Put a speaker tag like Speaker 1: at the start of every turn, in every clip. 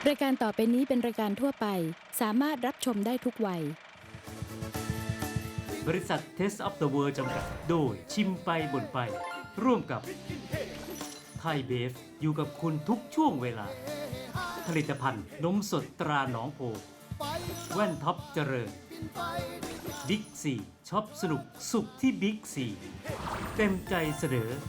Speaker 1: รายการต่อไปนี้เป็นรายการทั่วไปสามารถรับชมได้ทุกวัย
Speaker 2: บริษัท Taste of the World จำกัดโดยชิมไปบ่นไปร่วมกับไทยเบฟอยู่กับคุณทุกช่วงเวลาผลิตภัณฑ์นมสดตราหนองโพแว่นท็อปเจริญบิ๊กซีช็อปสนุกสุขที่บิ๊กซีเต็มใจเสนอ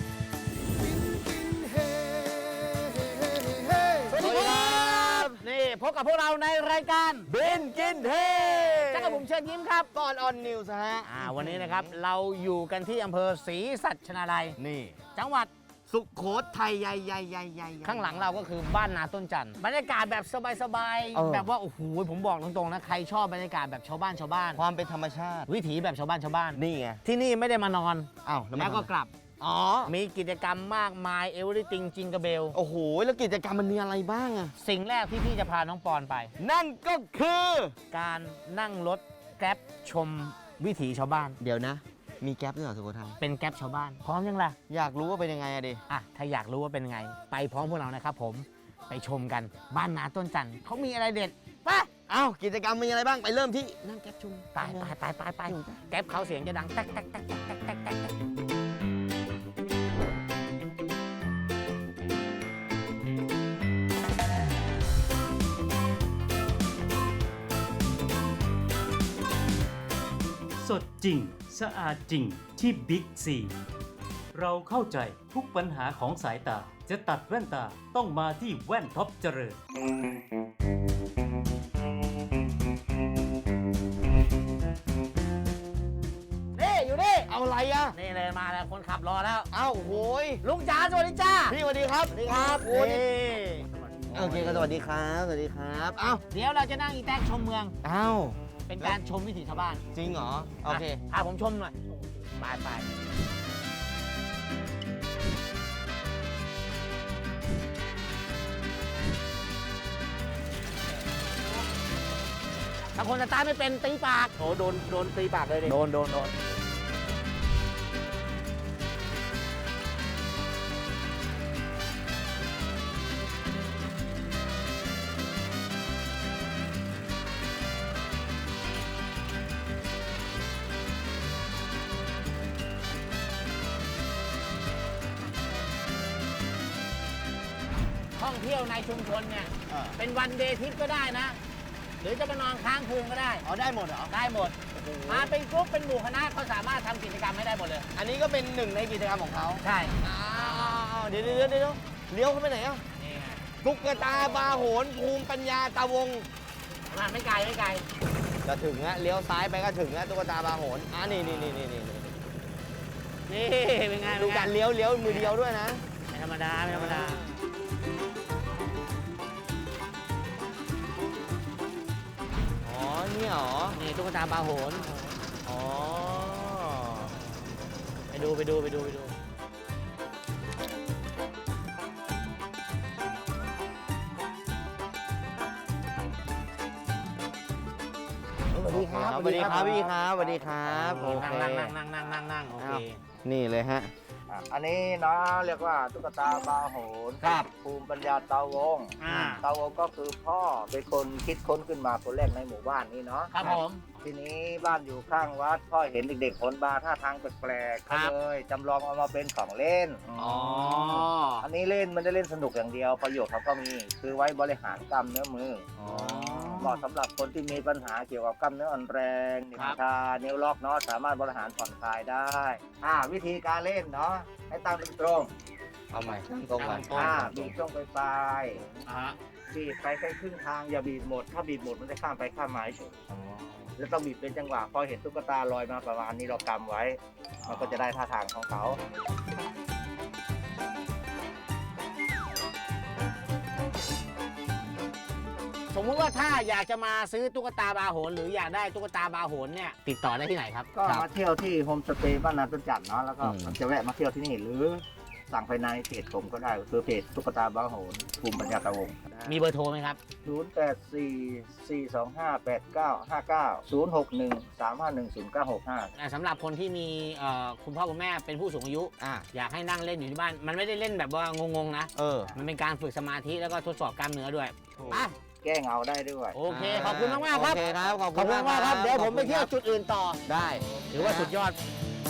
Speaker 3: สวัสดีครับนี่พบกับพวกเราในรายการบินกินเทจักรบุ๋มเชิญยิ้มครับก่อนออนนิวส์ฮะวันนี้นะครับเราอยู่กันที่อำเภอศรีสัชนาลัยนี่จังหวัดสุโขทัยใหญ่ข้างหลังเราก็คือบ้านนาต้นจันทร์บรรยากาศแบบสบายๆแบบว่าโอ้โหผมบอกตรงๆนะใครชอบบรรยากาศแบบชาวบ้าน
Speaker 4: ความเป็นธรรมชาติ
Speaker 3: วิถีแบบชาวบ้าน
Speaker 4: นี่ไง
Speaker 3: ที่นี่ไม่ได้มานอน
Speaker 4: อ้าว
Speaker 3: แล้วก็กลับมีกิจกรรมมากมายเอเวอร์ติงจิงกระเบล
Speaker 4: โอ้โหแล้วกิจกรรมมันมีอะไรบ้างอะ
Speaker 3: สิ่งแรกที่พี่จะพาน้องปอนไป
Speaker 4: นั่นก็คือ
Speaker 3: การนั่งรถแกร็บชมวิถีชาวบ้าน
Speaker 4: เดี๋ยวนะมีแก๊ปด้วยเหรอสุโขทัย
Speaker 3: เป็นแกร็บชาวบ้านพร้อมยังล่ะ
Speaker 4: อยากรู้ว่าเป็นยังไงอะดิ
Speaker 3: ถ้าอยากรู้ว่าเป็นไงไปพร้อมพวกเรานะครับผมไปชมกันบ้านนาต้นจันทร์เขามีอะไรเด็ดปะ
Speaker 4: กิจกรรมมีอะไรบ้างไปเริ่มที่นั่งแก๊ปชม
Speaker 3: ไปแก๊ปเขาเสียงจะดังแต๊กแต๊กแต๊กแต๊กแต๊กแต๊กแต๊ก
Speaker 2: สดจริงสะอาดจริงที่บิ๊กซีเราเข้าใจทุกปัญหาของสายตาจะตัดแว่นตาต้องมาที่แว่นท็อปเจริญ
Speaker 3: นี่อยู่นี่
Speaker 4: เอาอะไรอะ
Speaker 3: นี่เลยมาแล้วคนขับรอแล้ว
Speaker 4: โหย
Speaker 3: ลุงจ๋าสวัสดีจ้า
Speaker 4: พี่สวัสดีครับ
Speaker 3: สวัสดีครับ
Speaker 4: โอ้ยโอเคก็สวัสดีครับสวัสดีครับ
Speaker 3: เดี๋ยวเราจะนั่งอีแท็กชมเมืองเป็นการชมวิถีชาวบ้าน
Speaker 4: จริงเหรอโอเค
Speaker 3: ผมชมหน่อยไปถ้าคนสตาร์ทไม่เป็นตีปาก
Speaker 4: โดนตีปากเลยดิ
Speaker 3: โดนท่องเที่ยวในชุมชนเนี่ยเป็นวันเดย์ทริปก็ได้นะหรือจะมานอนค้างคืนก็ได้
Speaker 4: ได้หมดเหรอ
Speaker 3: ได้หมดมาเป็นกรุ๊ปเป็นหมู่คณะเขาสามารถทำกิจกรรมให้ได้หมดเลย
Speaker 4: อันนี้ก็เป็นหนึ่งในกิจกรรมของเขา
Speaker 3: ใช่
Speaker 4: เดี๋ยวเลี้ยวเข้าไปไหน
Speaker 3: นี่ไง
Speaker 4: ตุ๊กตาบาโหนภูมิปัญญาตาวง
Speaker 3: ไม่ไกล
Speaker 4: จะถึงฮะเลี้ยวซ้ายไปก็ถึงฮะตุ๊กตาบาโหนนี่
Speaker 3: เป็นไง
Speaker 4: ดูการเลี้ยวมือเดียวด้วยนะ
Speaker 3: ไม่ธรรมดา
Speaker 4: นี่เหรอ
Speaker 3: นี่ตุ๊กตาบาโหนไปดูสวัสดี
Speaker 4: ครับพี่ครับสวัสดีครับ
Speaker 3: โอเคนั่งโอเค
Speaker 4: นี่เลยฮะ
Speaker 5: อันนี้นะเรียกว่าตุ๊กตาบาโหน
Speaker 4: ครับ
Speaker 5: ภูมิปัญญาเตาวงเตาวงก็คือพ่อเป็นคนคิดค้นขึ้นมาคนแรกในหมู่บ้านนี้เนาะ
Speaker 3: ครับผม
Speaker 5: ทีนี้บ้านอยู่ข้างวัดพ่อเห็นเด็กๆผลบาท่าทางแปลกๆก็เลยจำลองเอามาเป็นของเล่นอันนี้เล่นมันได้เล่นสนุกอย่างเดียวประโยชน์เขาก็มีคือไว้บริหารกล้ามเนื้อมือเหมาะสำหรับคนที่มีปัญหาเกี่ยวกับกล้ามเนื้ออ่อนแรงนิ้วชานิ้วล็อกเนาะสามารถบริหารผ่อนคลายได้วิธีการเล่นเนาะให้ตั้งตรง
Speaker 4: เอาใหม่ตั้งตรงก่อน
Speaker 5: บีบช่วงปลายบีบไปแค่ครึ่งทางอย่าบีบหมดถ้าบีบหมดมันจะข้ามไปข้ามมาเฉยแล้วต้องบีบเป็นจังหวะพอเห็นตุ๊กตาลอยมาประมาณนี้เรากำไว้มันก็จะได้ท่าทางของเขา
Speaker 3: สมมุติว่าถ้าอยากจะมาซื้อตุ๊กตาบาโหนหรืออยากได้ตุ๊กตาบาโหนเนี่ยติดต่อได้ที่ไหนครับ
Speaker 5: ก็มาเที่ยวที่โฮมสเตย์บ้านนาต้นจันทร์เนาะแล้วก็จะแวะมาเที่ยวที่นี่หรือสั่งภายในเพจผมก็ได้คือเพจตุ๊กตาบ้าโหนภูมิปัญญากระวง
Speaker 3: มีเบอร์โทรไหมครับ
Speaker 5: 0844258959
Speaker 3: สำหรับคนที่มีคุณพ่อคุณแม่เป็นผู้สูงอายุ อยากให้นั่งเล่นอยู่ที่บ้าน มันไม่ได้เล่นแบบว่างงๆนะ มันเป็นการฝึกสมาธิแล้วก็ทดสอบกล้ามเนื้อด้วยอ่ะ
Speaker 5: แก้เงาได้ด้วย
Speaker 3: โอเค ขอบคุณมากๆครับ
Speaker 4: โอเคครับขอบคุณ
Speaker 3: มากๆครับ เดี๋ยวผมไปเที่ยวจุดอื่นต่อ
Speaker 4: ได้
Speaker 3: ถือว่าสุดยอด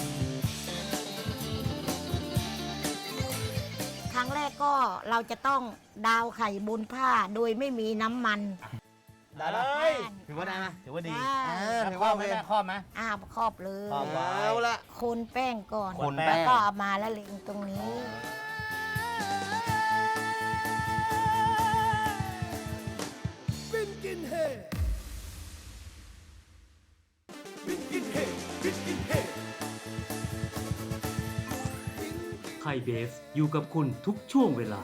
Speaker 6: ครั้งแรกก็เราจะต้องดาวไข่บนผ้าโดยไม่มีน้ำมัน
Speaker 4: ได้ไหม
Speaker 3: ถือว่าได้ไหมถือว่าดี
Speaker 6: ได้
Speaker 4: ถือว่า
Speaker 3: ไม่ได้ครอบไหม
Speaker 6: ครอบเลย
Speaker 3: ครอบไว้
Speaker 4: เอาละ
Speaker 6: คนแป้งก่อน
Speaker 4: คนแป้ง
Speaker 6: แล้วก็เอามาละเลงตรงนี้
Speaker 2: ไทยเบฟอยู่กับคุณทุกช่วงเวลา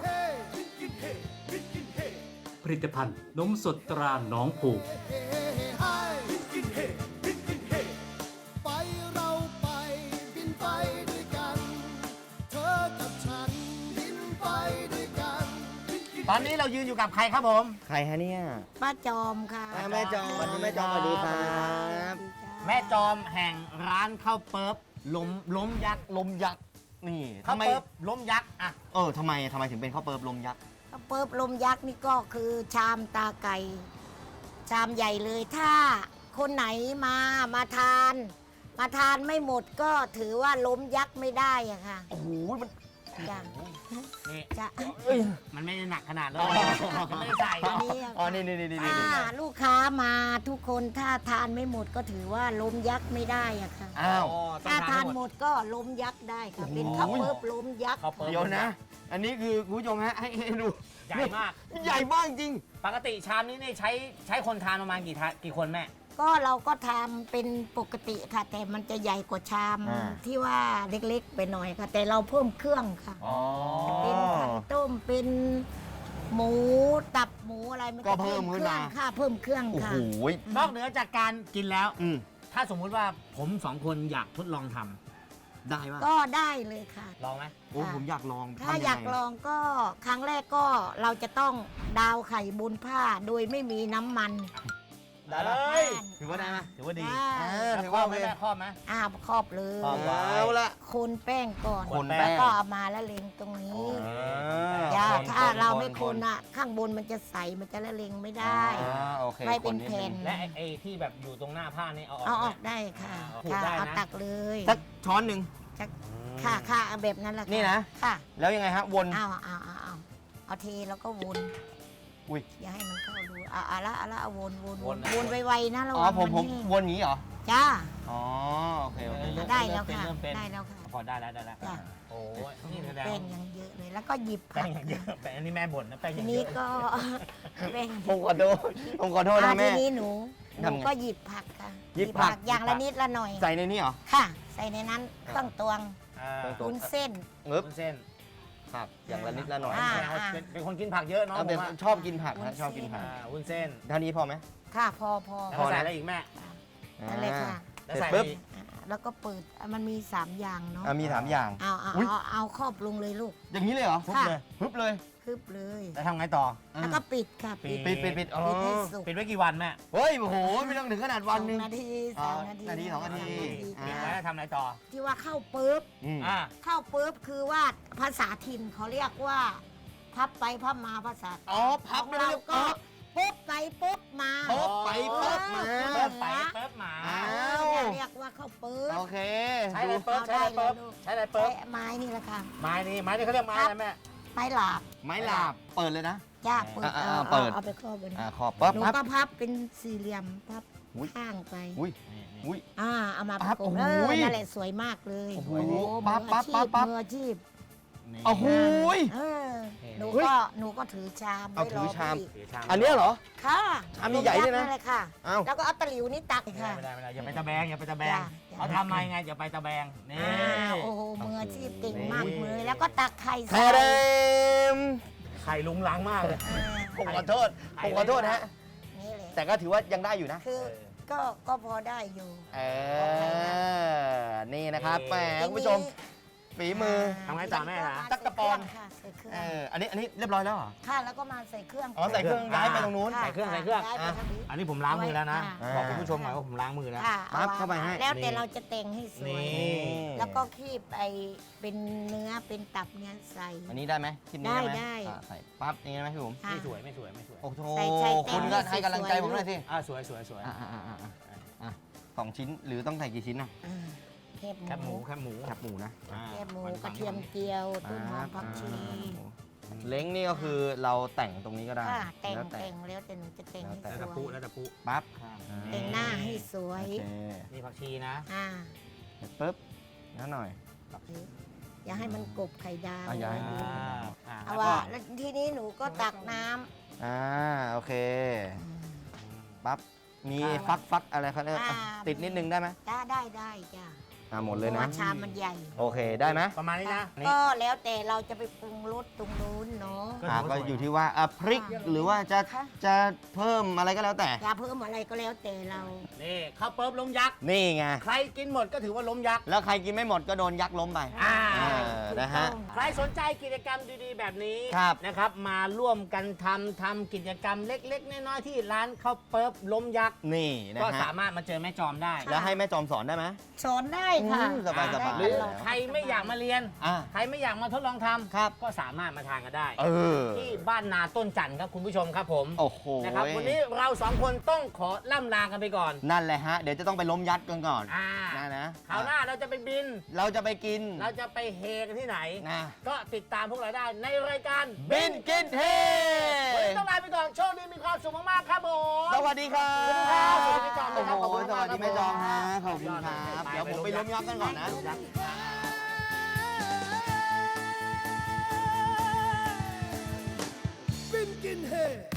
Speaker 2: ผลิตภัณฑ์นมสดตราหนองโพ
Speaker 7: ไปเราไปบินไปด้วยกัน เธอกับฉันบินไปด้วยกัน
Speaker 3: ตอนนี้เรายืนอยู่กับใครครับผม
Speaker 4: ใครฮะเนี่ย
Speaker 6: ป้าจอมค่ะ
Speaker 4: แม่จอมแม่จอมสวัสดีครับ
Speaker 3: แม่จอมแห่งร้านข้าวเปิ๊บล้มยักษ์
Speaker 4: ลมยักษ์นี่
Speaker 3: ข้าว
Speaker 4: ทำไม
Speaker 3: เปิ๊บล้มยักษ์อ่ะ
Speaker 4: ทำไมถึงเป็นข้าวเปิบลมยักษ์
Speaker 6: ข้าวเปิบลมยักษ์นี่ก็คือชามตาไก่ ชามใหญ่เลยถ้าคนไหนมาทานไม่หมดก็ถือว่าล้มยักษ์ไม่ได้อะค่ะ
Speaker 4: โอ้โหมัน
Speaker 6: จ้ะ
Speaker 3: นี่
Speaker 6: จะ
Speaker 3: มันไม่ได้หนักขนาดเลย
Speaker 4: อ๋อ
Speaker 3: ไม่ได้ใส่
Speaker 6: อันนี้อะ
Speaker 4: อ๋อนี่นี่นี่นี่
Speaker 6: ถ้าลูกค้ามาทุกคนถ้าทานไม่หมดก็ถือว่าล้มยักษ์ไม่ได้อะค่ะ
Speaker 4: อ้าว
Speaker 3: ต้อ
Speaker 6: ถ้าง ทาน
Speaker 3: ห
Speaker 6: ห
Speaker 3: ม
Speaker 6: ม
Speaker 3: ด
Speaker 6: ดก็ล้มยักษ์ได้ค่ะ
Speaker 4: โอ้โห
Speaker 6: เป็นข้าวเปิบล้มยักษ์
Speaker 3: ข้าวเปิ๊บ
Speaker 4: เดี๋ยวนะ อันนี้คือคุณผู้ชมฮะให้ดู
Speaker 3: ใหญ่มาก
Speaker 4: ใหญ่มากจริง
Speaker 3: ปกติชามนี้นี่ใช้คนทานประมาณกี่คนแม่
Speaker 6: ก็เราก็ทำเป็นปกติค่ะ แต่มันจะใหญ่กว่าชาม
Speaker 4: อ่า
Speaker 6: ที่ว่าเล็กๆไปหน่อยค่ะ แต่เราเพิ่มเครื่องค่ะ
Speaker 4: อ๋อ
Speaker 6: เป็นไข่ต้มเป็นหมูตับหมูอะไรมัน
Speaker 4: ก็
Speaker 6: จะ
Speaker 4: เพิ่มขึ้นมา
Speaker 6: ค่ะ เพิ่มเครื่อง
Speaker 4: โอ้
Speaker 6: ค่ะ
Speaker 4: โห
Speaker 3: นอกเหนือจากการกินแล้ว
Speaker 4: อืม
Speaker 3: ถ้าสมมุติว่าผมสองคนอยากทดลองทำ
Speaker 4: ได้ป่ะ
Speaker 6: ก็ได้เลยค่ะ
Speaker 3: ลองไหม
Speaker 4: โอ้ผมอยากลอง
Speaker 6: ถ้า
Speaker 4: ทำงไง
Speaker 6: อยากลองก็ครั้งแรกก็เราจะต้องดาวไข่บนผ้าโดยไม่มีน้ำมัน
Speaker 3: ได้เลย ถือว่าได้ไหมถือว่าดี
Speaker 6: ได้
Speaker 3: แล้วครอบไหมแม่ครอบไหม
Speaker 6: ครอบเลย
Speaker 3: ครอบไว้
Speaker 4: เอาละ
Speaker 6: คนแป้งก่อน
Speaker 4: คนแป้ง
Speaker 6: แล้วก็เอามาละเลงตรงนี้ อย่าถ้าเราไม่คนอ่ะ ข้างบนมันจะใสมันจะละเลงไม่ได้
Speaker 4: โอเค
Speaker 6: ไม่เป็น
Speaker 4: คด
Speaker 6: แผ่น
Speaker 3: และไอ้ที่แบบอยู่ตรงหน้าผ้านี่เอาออก
Speaker 6: เอา
Speaker 3: ไห
Speaker 6: อ
Speaker 3: ม
Speaker 6: อกได้ค่ะ
Speaker 3: ขูด
Speaker 6: ค่ะ
Speaker 3: ได้นะ
Speaker 6: เอาตักเลย
Speaker 4: สักช้อนหนึ่ง
Speaker 6: ค่ะเอาแบบนั้นแหละค่
Speaker 4: นี่นะ
Speaker 6: ค่ะ
Speaker 4: แล้วยังไงฮะวน
Speaker 6: เอาเทแล้วก็วน
Speaker 4: อุ๊ย
Speaker 6: อย่าให้มันเข้ารูเอาละเอาวนไวๆนะระ
Speaker 4: อ๋อ
Speaker 6: วัง
Speaker 4: ผม
Speaker 6: มันนี่
Speaker 4: วนอย่างนี้เหรอ
Speaker 6: จ้า
Speaker 4: อ๋อโอเคโอเค
Speaker 6: ได้แล้วค่ะ
Speaker 3: เริ่มเป็น
Speaker 6: ได้แล้วค่ะ
Speaker 3: พอได้แล้วได้แล้ว
Speaker 6: จ้ะ
Speaker 3: โอ้ยนี่แสดง
Speaker 6: แป้งยังเยอะเลย แล้วก็หยิบ
Speaker 3: แป้
Speaker 6: ผั
Speaker 3: ง
Speaker 6: ก
Speaker 3: อย่างเยอะแป้งอันนี้แม่บ่นนะแป้งอ
Speaker 6: ที
Speaker 3: ย่างเย
Speaker 6: นี้
Speaker 3: อะ
Speaker 6: ก็ แป้ง
Speaker 4: ผมขอโทษผมขอโทษนะ
Speaker 6: ที
Speaker 4: แม่
Speaker 6: นี้หนู
Speaker 4: ทำไง
Speaker 6: ก็หยิบผักค่ะ
Speaker 4: หยิบผัก
Speaker 6: อย่างละนิดละหน่อย
Speaker 4: ใส่ในนี้เหรอ
Speaker 6: ค่ะ ใส่ในนั้นเครื่องตวง
Speaker 3: อ่า
Speaker 4: ตวง
Speaker 6: วุ้นเส้น
Speaker 4: เงึบ
Speaker 3: วุ้นเส้น
Speaker 4: ผักอย่างละนิดละหน่อย
Speaker 6: อ่า
Speaker 3: แม่เขาเป็นคนกินผักเยอะเนาะ
Speaker 4: เอาเป็น
Speaker 3: ผมว่า
Speaker 4: ชอบกินผัก
Speaker 6: วุ้
Speaker 4: นะ
Speaker 6: นเส้น
Speaker 4: ชอบกินผัก
Speaker 3: วุ้นเส้น
Speaker 4: เท่านี้พอไหม
Speaker 6: ค่ะพอ
Speaker 3: แล้วก็ใส่อะไรอีกแม่
Speaker 6: นั่นเลยค่ะ
Speaker 3: แล้ว
Speaker 4: เสร็จ
Speaker 3: ใส่
Speaker 4: ปุ๊บ
Speaker 3: อีก
Speaker 6: แล้วก็เปิดมันมี3อย่างเนาะ
Speaker 4: มี3อย่าง อุ๊ย
Speaker 6: เอาครอบลงเลยลูก
Speaker 4: อย่างนี้เลยเหรอ
Speaker 6: ค่ะ
Speaker 4: ฮึบเลย
Speaker 6: คืบเลย
Speaker 3: แล้วทำไงต่อ
Speaker 6: แล้วก็ปิดค่ะ
Speaker 3: ปิด
Speaker 4: ปิดอ๋อ
Speaker 6: ปิดให้สุก
Speaker 3: ปิดไว้กี่วันแม่
Speaker 4: เฮ้ยโอ้โหไม่ต้องถึงขนาดวันหนึง
Speaker 6: 2 นาที
Speaker 4: อ๋อ
Speaker 6: 3 นาที
Speaker 4: นาที2 นาที
Speaker 3: ปิด
Speaker 6: ค่ะ
Speaker 3: ไว้แล้วทำอะไรต่อ
Speaker 6: ที่ว่าเข้าปุ๊บ
Speaker 4: อืม
Speaker 3: อ่า
Speaker 6: เข้าปุ๊บคือว่าภาษาถิ่นเขาเรียกว่า พับไปพับมาภาษา
Speaker 4: อ๋อพับ
Speaker 6: ของ
Speaker 4: แล้ว
Speaker 6: เราก็ปุ๊บไปปุ๊บมา
Speaker 4: ปุ๊บไปปุ๊บมา
Speaker 3: เปิดไปเปิดหมา
Speaker 4: อ้า
Speaker 6: เรียกว่าเข้าปุ๊บ
Speaker 4: โอเค
Speaker 3: ใช้อะไรเปิดใช้อะไรเปิดใช้อะไรเปิ
Speaker 6: ใช้
Speaker 3: ด
Speaker 6: ไม้นี่แหละค่ะ
Speaker 3: ไม้นี่เขาเรียกไม้อะไรแม่
Speaker 6: ไม้หลาบ
Speaker 4: ไม้หลาบเปิดเลยนะ
Speaker 6: จ้าเปิด
Speaker 4: เปิด
Speaker 6: เอาไปครอบเลย
Speaker 4: ขอบปั๊บ
Speaker 6: หนู
Speaker 4: ปั๊บ
Speaker 6: ก็พับเป็นสี่เหลี่ยมพับ
Speaker 4: อุ๊ย
Speaker 6: ข้างไป
Speaker 4: อุ้ยอุ้ย
Speaker 6: เอามาป
Speaker 4: พั
Speaker 6: ระ
Speaker 4: บ
Speaker 6: กบ
Speaker 4: โอ้โห
Speaker 6: นั่นแหละสวยมากเลย
Speaker 4: โอ้โห
Speaker 6: มือ
Speaker 4: ปั๊
Speaker 6: อา
Speaker 4: บ
Speaker 6: ชี
Speaker 4: ปั๊
Speaker 6: พ
Speaker 4: บปั๊บ
Speaker 6: มืออาชีพ
Speaker 4: โอ้โหย
Speaker 6: หนู
Speaker 4: เฮ้ย
Speaker 6: ก็ถือชาม
Speaker 4: เอา
Speaker 6: ไว้
Speaker 4: ถือ
Speaker 6: ร
Speaker 4: ชาม
Speaker 6: พี่
Speaker 4: อันเนี้ยเหรอ
Speaker 6: ค่ะ
Speaker 4: ชามใหญ่ๆเนี่ยนะ
Speaker 6: เลยค่ะ
Speaker 4: อ้าว
Speaker 6: แล้วก็เอาตะหลิวนี่ตักค่ะ
Speaker 3: ไม่ได้อย่าไปตะแบงอย่าไปตะแบง
Speaker 6: จ้ะ
Speaker 3: เขาทำมายังไงอย่าไปตะแบงนี่
Speaker 6: โอ้โหมืออาชีพเก่งมากเลยแล้วก็ตักไข่
Speaker 4: แท
Speaker 6: ใส่
Speaker 4: เดม
Speaker 3: ไข่ลุงลังมากเลย
Speaker 4: ผมขอโทษผมขอโทษฮะ
Speaker 6: นี่เลย
Speaker 4: แต่ก็ถือว่ายังได้อยู่นะ
Speaker 6: คือก็พอได้อยู่
Speaker 4: นี่นะครับแหมคุณผู้ชมฝีมือ
Speaker 3: ทำไงต่อแม่นะ
Speaker 4: ตั๊กตะปอน
Speaker 6: ค่ะใส่เครื่อง
Speaker 4: อันนี้เรียบร้อยแล้วเหรอ
Speaker 6: ค่ะแล้วก็มาใส่เครื่อง
Speaker 4: อ๋อใส่เครื่องย้ายไปตรงนู้น
Speaker 6: ค่ะ
Speaker 3: ใส่เครื่อง
Speaker 6: ย้ายไปทางนี้
Speaker 3: อันนี้ผมล้างมือแล้วนะ
Speaker 6: ค่ะ
Speaker 3: บอกคุณผู้ชมหน่อยว่าผมล้างมือแล้ว
Speaker 6: ค่ะ
Speaker 4: ปั๊บเข้าไปให้
Speaker 6: แล้วแต่เราจะแต่งให้สวย
Speaker 3: นี่
Speaker 6: แล้วก็คีบไอเป็นเนื้อเป็นตับเนี่ยใส่
Speaker 4: อันนี้ได้ไหมคลิปนี้ได้ไหม
Speaker 6: ได้
Speaker 4: ใส่ปั๊บอย่างนี้ได้ไหมพี่ผม
Speaker 6: ค่ะ
Speaker 3: ไม่สวย
Speaker 4: โอ้โห
Speaker 6: ใส่แต้ม
Speaker 4: คุณก็ให้กำลังใจผมหน่อยสิ
Speaker 3: สวย
Speaker 4: 2 ชิ้นหรือต้องใส่กี่ชิ้นนะ
Speaker 6: อ่าแคบ
Speaker 3: แคบหมู
Speaker 4: แคบหมูนะ
Speaker 6: แคบหมูกระเทียมเจียวต้นหอมผักชี
Speaker 4: เล้งนี่ก็คือเราแต่งตรงนี้ก็ได้
Speaker 6: ค่ะแต่ง
Speaker 4: แล้ว
Speaker 6: แต่งแล้วแต่หนูจะแต่งให้
Speaker 4: แล้ว
Speaker 6: ส
Speaker 3: แล้ว
Speaker 6: ว
Speaker 3: ตะปู
Speaker 6: ย
Speaker 3: แล้วตะปู
Speaker 4: ปั๊บ
Speaker 6: แต่งหน้าให้สว
Speaker 4: โอย เค
Speaker 3: นี่ผักชีนะ
Speaker 6: อ่า
Speaker 4: เสร็จปุ๊บแล้วหน่อย
Speaker 6: อย่าให้มันกบไข่ดาว
Speaker 4: อย่าให้
Speaker 6: เอา
Speaker 3: แล้ว
Speaker 6: ว่า
Speaker 3: ก็
Speaker 6: แล้วทีนี้หนูก็ตักน้ำ
Speaker 4: โอเค
Speaker 6: อืม
Speaker 4: ปั๊บมีฟักอะไรเขาเรียก
Speaker 6: อ่า
Speaker 4: ติดนิดนึงได้ไหม
Speaker 6: ได้จ้ะ
Speaker 4: หมด
Speaker 6: เพ
Speaker 4: เลย
Speaker 6: ราะ
Speaker 4: นะ
Speaker 6: ว่าชามมันใหญ่
Speaker 4: โอเคได้ไหม
Speaker 3: ประมาณนี้นะนี่
Speaker 6: ก็แล้วแต่เราจะไปปรุงรสตรงนู้นเนาะ
Speaker 4: ก็อยู่ที่ว่าพริก
Speaker 6: ค่ะ
Speaker 4: หรือว่าจะ
Speaker 6: ค่ะ
Speaker 4: จะเพิ่มอะไรก็แล้วแต่
Speaker 6: อย่าเพิ่มอะไรก็แล้วแต่เรา
Speaker 3: นี่ข้าวเปิ๊บล้มยักษ์
Speaker 4: นี่ไง
Speaker 3: ใครกินหมดก็ถือว่าล้มยักษ์
Speaker 4: แล้วใครกินไม่หมดก็โดนยักษ์ล้มไป
Speaker 3: อ่า
Speaker 4: นะฮะ
Speaker 3: ใครสนใจกิจกรรมดีๆ แบบนี้
Speaker 4: ครับ
Speaker 3: นะครับ มาร่วมกันทำกิจกรรมเล็กๆ น้อยๆที่ร้านข้าวเปิ๊บล้มยักษ์
Speaker 4: นี่นะ
Speaker 3: ก็
Speaker 4: ฮะ
Speaker 3: สามารถมาเจอแม่จอมได้
Speaker 4: แล้วให้แม่จอมสอนได้ไหม
Speaker 6: สอนได้ค่ะ
Speaker 4: สบายๆ
Speaker 6: ได้
Speaker 3: หรือ
Speaker 6: ตลด
Speaker 3: ใครไม่อยากมาเรียน
Speaker 4: อ่า
Speaker 3: ใครไม่อยากมาทดลองทำ
Speaker 4: ครับ
Speaker 3: ก็สามารถมาทานกันได้
Speaker 4: เออ
Speaker 3: ที่บ้านนาต้นจันทร์ครับคุณผู้ชมครับผม
Speaker 4: โอ้โห
Speaker 3: นะครับวันนี้เราสองคนต้องขอล่ำลากันไปก่อน
Speaker 4: นั่นแหละฮะ เดี๋ยวจะต้องไปล้มยัดกันก่อน
Speaker 3: อ่า
Speaker 4: นะ
Speaker 3: คราวหน้าเราจะไปบิน
Speaker 4: เราจะไปกิน
Speaker 3: เราจะไปเฮกันที่ไหน
Speaker 4: นะ
Speaker 3: ก็ติดตามพวกเราได้ในรายการ
Speaker 4: บินกินเท
Speaker 3: วันนี้ต้องลาไปก่อนโชคดีมีความสุขมากๆครับผม
Speaker 4: สวัสดีครับ
Speaker 3: สวัสดีครับสวัสดีจอม
Speaker 4: โอ้
Speaker 3: นะค
Speaker 4: โห
Speaker 3: รับขอบคุณ
Speaker 4: สวัสดี
Speaker 3: มากครับ
Speaker 4: แม่จอมฮะ
Speaker 3: ผม
Speaker 4: ขอบคุณครับ
Speaker 3: ไป
Speaker 4: เดี๋ยวผมไปล้มยักษ์กันก่อนนะ
Speaker 7: บินกินเฮ